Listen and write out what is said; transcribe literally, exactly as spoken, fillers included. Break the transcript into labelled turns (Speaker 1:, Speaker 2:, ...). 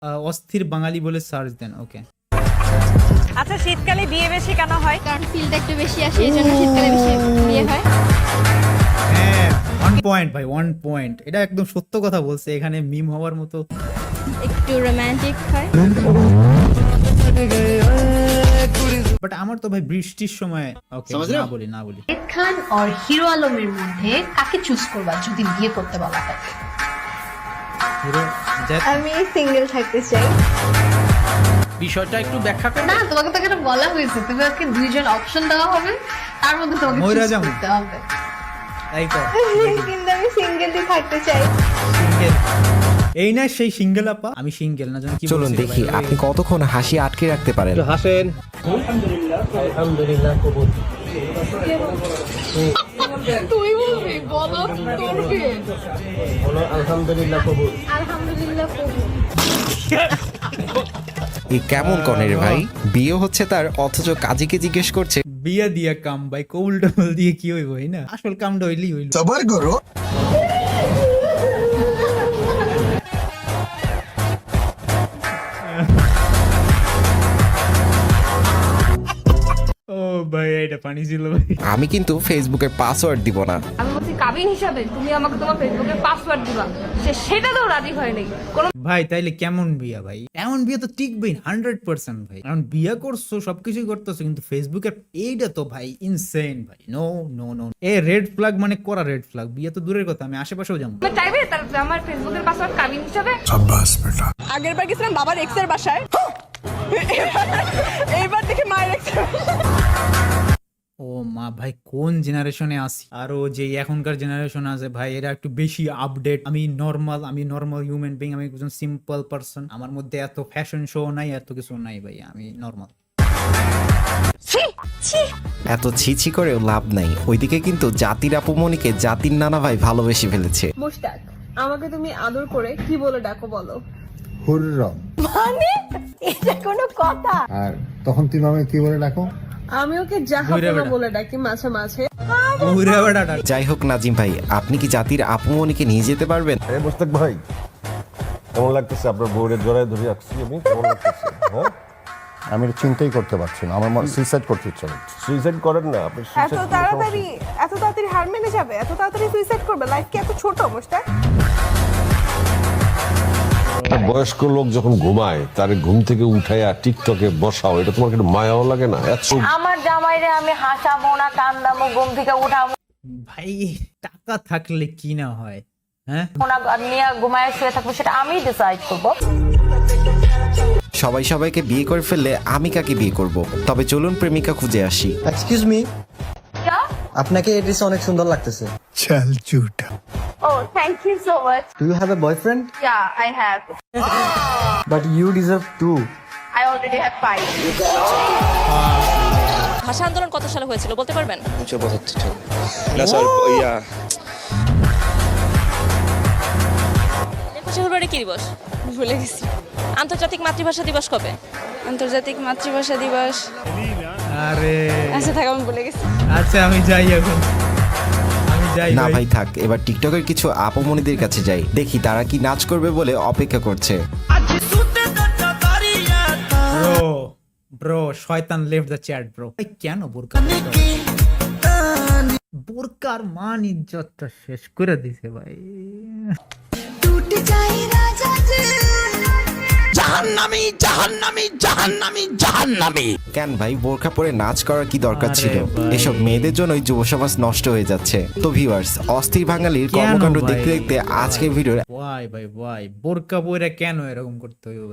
Speaker 1: আহ, অস্থির বাঙালি বলে সার্চ দেন। ওকে,
Speaker 2: আচ্ছা, শীতকালে বিয়ে বেশি কেন হয়?
Speaker 3: কারণ ফিলটা একটু বেশি আসে, এই জন্য শীতকালে বেশি বিয়ে হয়।
Speaker 1: হ্যাঁ, ওয়ান পয়েন্ট ভাই, ওয়ান পয়েন্ট। এটা একদম সত্য কথা বলছে, এখানে মিম হওয়ার মতো।
Speaker 3: একটু রোমান্টিক হয়।
Speaker 1: বাট আমার তো ভাই বৃষ্টির সময়, ওকে না বলি না বলি
Speaker 4: শাকিব খান আর হিরো আলমের মধ্যে কাকে চুজ করবা যদি বিয়ে করতে বলা হয়?
Speaker 1: Hero Jack.
Speaker 5: আমি সিঙ্গেল থাকতে চাই।
Speaker 6: বিষয়টা একটু ব্যাখ্যা করো।
Speaker 4: না, তোমাকে তো এখানে বলা হয়েছে তোমাকে দুইজন অপশন দেওয়া হবে, তার মধ্যে তোমাকে
Speaker 1: ময়রা
Speaker 4: চুজ
Speaker 1: জামু।
Speaker 4: করতে হবে।
Speaker 1: তাই কর,
Speaker 5: কিন্তু আমি সিঙ্গেলই থাকতে চাই।
Speaker 1: সিঙ্গেল। এই না সেই সিঙ্গেল আপা, আমি সিঙ্গেল না জানি কি বলছি।
Speaker 7: চলুন দেখি
Speaker 1: ভাই,
Speaker 7: আপনি কতক্ষণ হাসি আটকে রাখতে পারেন।
Speaker 6: হাসেন। আলহামদুলিল্লাহ কবুল।
Speaker 3: তুই বলবি, বলো তোর বিয়ে।
Speaker 6: বলো আলহামদুলিল্লাহ কবুল।
Speaker 3: আলহামদুলিল্লাহ কবুল।
Speaker 7: এই কেমন কনের ভাই, বিয়ে হচ্ছে তার অথচ কাজীকে জিজ্ঞেস করছে।
Speaker 1: বিয়া দিয়া কাম ভাই, কৌল টবল দিয়ে কি হইব, এই না আসল কামটা হইলি হইল।
Speaker 8: সবার করো।
Speaker 1: ও ভাই, এটা পানি ছিল ভাই।
Speaker 7: আমি কিন্তু ফেসবুকের পাসওয়ার্ড দিব না।
Speaker 2: আমি বলছি কাবিন হিসাবে তুমি আমাকে তোমার ফেসবুকের পাসওয়ার্ড দিবা, সে সেটাতেও রাজি হয় নাই। কোন
Speaker 1: ভাই তাইলে কেমন বিয়া ভাই? এমন বিয়া তো টিকবেই হান্ড্রেড পার্সেন্ট ভাই। কারণ বিয়া করছো, সবকিছুই করতেছো, কিন্তু ফেসবুকের এইটা তো ভাই ইনসেন ভাই। No no no, a red flag মানে করা রেড ফ্ল্যাগ। বিয়া তো দূরের কথা, আমি আশেপাশেও যাবো।
Speaker 2: তুমি চাইবে তার আমার ফেসবুকের পাসওয়ার্ড কাবিন হিসাবে?
Speaker 8: সাব্বাস বেটা।
Speaker 9: আগের বার গেছিলাম বাবার এক্সের বাসায়, এইবার দেখি মায়ের এক্স।
Speaker 1: ও মা ভাই, কোন জেনারেশনে আসি? আরো যে এখনকার জেনারেশন আছে ভাই, এরা একটু বেশি আপডেট। আমি নর্মাল, আমি নর্মাল হিউম্যান বিং, আমি একজন সিম্পল পারসন। আমার মধ্যে এত ফ্যাশন শো নাই, এত কিছু নাই ভাই, আমি নর্মাল।
Speaker 7: এত ছিছি করেও লাভ নাই, ওইদিকে কিন্তু জাতির আপুমনিকে জাতির নানা ভাই ভালোবেসে ফেলেছে।
Speaker 9: মুশতাক, আমাকে তুমি আদর করে কি বলে ডাকো বলো?
Speaker 8: হুররম।
Speaker 5: মানে এটা কোনো কথা?
Speaker 8: আর তখন তুমি আমাকে কি বলে ডাকো?
Speaker 9: আমি ওকে জাহাপনা বলে ডাকি মাঝে মাঝে।
Speaker 1: ওরে বাড়া ডাক।
Speaker 7: যাই হোক নাজিম ভাই, আপনি কি জাতির আপুমনিকে নিয়ে যেতে পারবেন?
Speaker 10: এই মোস্তাক ভাই, কেমন লাগতেছে আপনার বউয়ের জড়ায় ধরে রাখছি আমি? কেমন লাগতেছে? হ্যাঁ,
Speaker 8: আমি এটা চিন্তাই করতে পারছি না, আমার সুইসাইড করতে ইচ্ছা করছে।
Speaker 10: সুইসাইড করেন না আপনি।
Speaker 9: এত তাড়াতাড়ি এত তাড়াতাড়ি হার মেনে যাবে? এত তাড়াতাড়ি সুইসাইড করবে? লাইফ কি এত ছোট মুশতাক?
Speaker 10: বয়স্ক লোক যখন ঘুমায় তার ঘুম থেকে উঠাইয়া টিকটকে বসাও, এটা তোমার কিন্তু মায়াও লাগে না? এত
Speaker 2: আমার জামাইরে আমি হাসাবো না কান্দামো, ঘুম থেকে উঠাবো
Speaker 1: ভাই টাকা থাকলে কি না হয়, হ্যাঁ?
Speaker 2: না, নিয়ে ঘুমায় শুয়ে থাকবো, সেটা আমি ডিসাইড করবো।
Speaker 7: সবাই সবাইকে বিয়ে করে ফেললে আমি কাকে বিয়ে করব? তবে চলুন প্রেমিকা খুঁজে আসি।
Speaker 11: এক্সকিউজ মি, আপনাকে এই ড্রেসে অনেক সুন্দর লাগতেছে।
Speaker 8: চল ঝুটা।
Speaker 2: Oh, thank you so much.
Speaker 11: Do you have a boyfriend?
Speaker 2: Yeah, I have.
Speaker 11: But you deserve two.
Speaker 2: I already have five.
Speaker 12: ভাষা আন্দোলন কত সালে হয়েছিল বলতে পারবেন? একুশে ফেব্রুয়ারি কি দিবস?
Speaker 9: ভুলে গেছি।
Speaker 12: আন্তর্জাতিক মাতৃভাষা দিবস কবে?
Speaker 9: আন্তর্জাতিক মাতৃভাষা দিবস।
Speaker 1: আরে
Speaker 9: আচ্ছা থাক, আমি ভুলে গেছি।
Speaker 1: আচ্ছা, আমি যাই এখন, আমি যাই
Speaker 7: না ভাই থাক, এবার টিকটকের কিছু আপুমনিদের কাছে যাই, দেখি তারা কি নাচ করবে বলে অপেক্ষা করছে।
Speaker 1: ব্রো ব্রো শয়তান লেফট দ্য চ্যাট ব্রো। ভাই কেন বোরকা? বোরকার মান ইজ্জতটা শেষ করে দিছে ভাই।
Speaker 6: জাহান্নামী জাহান্নামী জাহান্নামী জাহান্নামী।
Speaker 7: কেন ভাই, বোরখা পরে নাচ করার কি দরকার
Speaker 1: আরে
Speaker 7: ছিল?
Speaker 1: ভাই।
Speaker 7: এসব মেয়েদের জন্যই যুব সমাজ নষ্ট হয়ে যাচ্ছে। তো ভিউয়ার্স, অস্থির বাঙালির
Speaker 1: কেন
Speaker 7: কর্মকাণ্ড
Speaker 1: ভাই?
Speaker 7: দেখতে দেখতে আজকের ভিডিও
Speaker 1: ভাই ভাই ভাই বোরকা পরে কেন এরকম করতে হইব?